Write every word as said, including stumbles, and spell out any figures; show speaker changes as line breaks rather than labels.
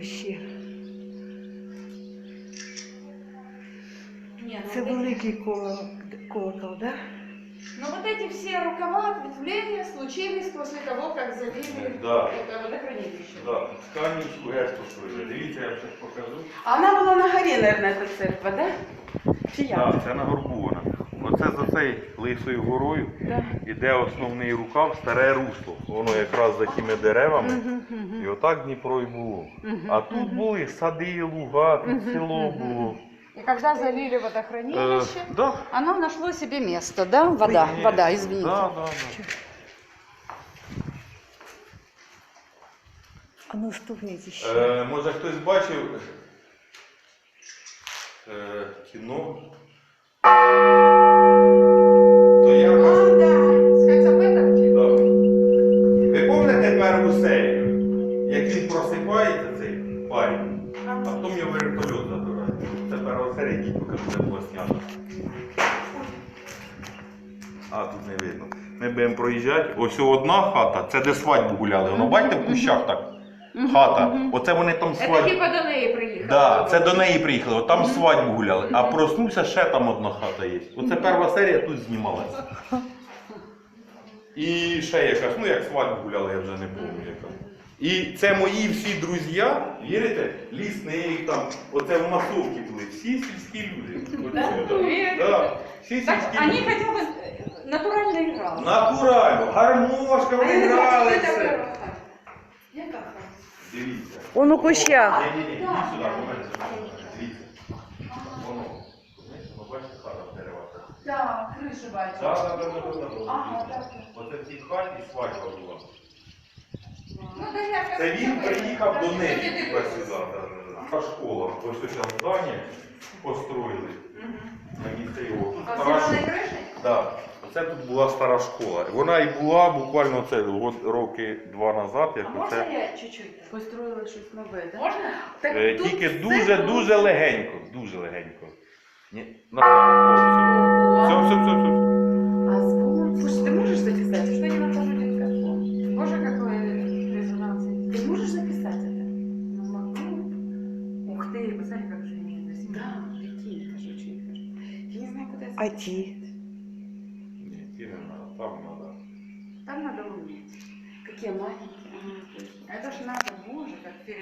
ще?
Не, ну
Це
вот эти-
великий коло, колокол, да?
Но вот эти все рукава ответвления случились после того, как залили
Да.
это водохранилище.
Да, Тканівську ГЕС построїли. Дивіться, я вам зараз покажу.
А она была на горе, наверное, эта церковь, да? Чи як?
Так, це на горбу вона. Оце за цією лисою горою
Да.
іде основний рукав, старе русло. Воно якраз за тими деревами. І отак Дніпро і було. А тут були сади, луга, тут село було.
И когда залили
Е,
водохранилище,
да.
оно нашло себе место, да? Вода,
Ні,
вода, извините.
Да, да, да.
А ну стукніть ще.
Е, може хтось бачив е, кіно? То я вас...
А, да, с Хацапетовки.
Да. Ви пам'ятаєте першу серію? Як він просипається, цей парень, а потім його вертольот забирає. Це перша серія, дій покажу, де була снята. А, тут не видно. Ми будемо проїжджати. Ось одна хата, це де свадьбу гуляли. Воно бачите в кущах так? Хата. Оце вони там
Это
свадьбу.
типа до неї приїхали.
Да, це до неї приїхали, от там свадьбу гуляли, а проснувся, ще там одна хата є. Оце перша серія тут знімалася. І ще якась, ну як свадьбу гуляли, я вже не пам'ятаю яка. І це мої всі друзі, вірите, лісник там, оце в масовці були, всі сільські люди.
Да? Вірю.
Да, всі
Так,
сільські
они
люди.
хотя бы натурально играли.
Натурально, гармошка, вони грали все.
Яка хата?
Дивіться.
Он у кущах.
Ні, ні, ні, ідіть сюди, повернися. Дивіться. Воно, знаєш, воно бачите, хата в деревах.
Да, крыша бачу.
Так, так, так, так, так.
Ага, так.
Оце в цій хаті свадьба була.
Ну, да, я
Це він приїхав до неї
неї.
туди сюди. Та школа. Ось ось там здання построїли на місце його. Тут
А
стара
з
школа.
криші?
Да. Оце тут була стара школа. Вона і була буквально це от роки два назад, як
А
оце.
можна я чуть-чуть?
Построїли щось нове, да?
Можна? Так
Е,
тут
Тільки
все
дуже-дуже
було.
легенько. Дуже легенько. Ні, на все, все, все, все.
А звук? Слушай, ты можешь записать? Что я нахожу диктофон? Боже, какой резонанс. Ты можешь записать это? Ну, могу. Ух ты, посмотри, как же они это снимают. Да, прикинь, это же очень хорошо. Я не знаю, куда это.
А ті?
Ні, ті не треба, там треба.
Там надо уметь. Какие маленькие. А, точно. Это ж надо, боже, как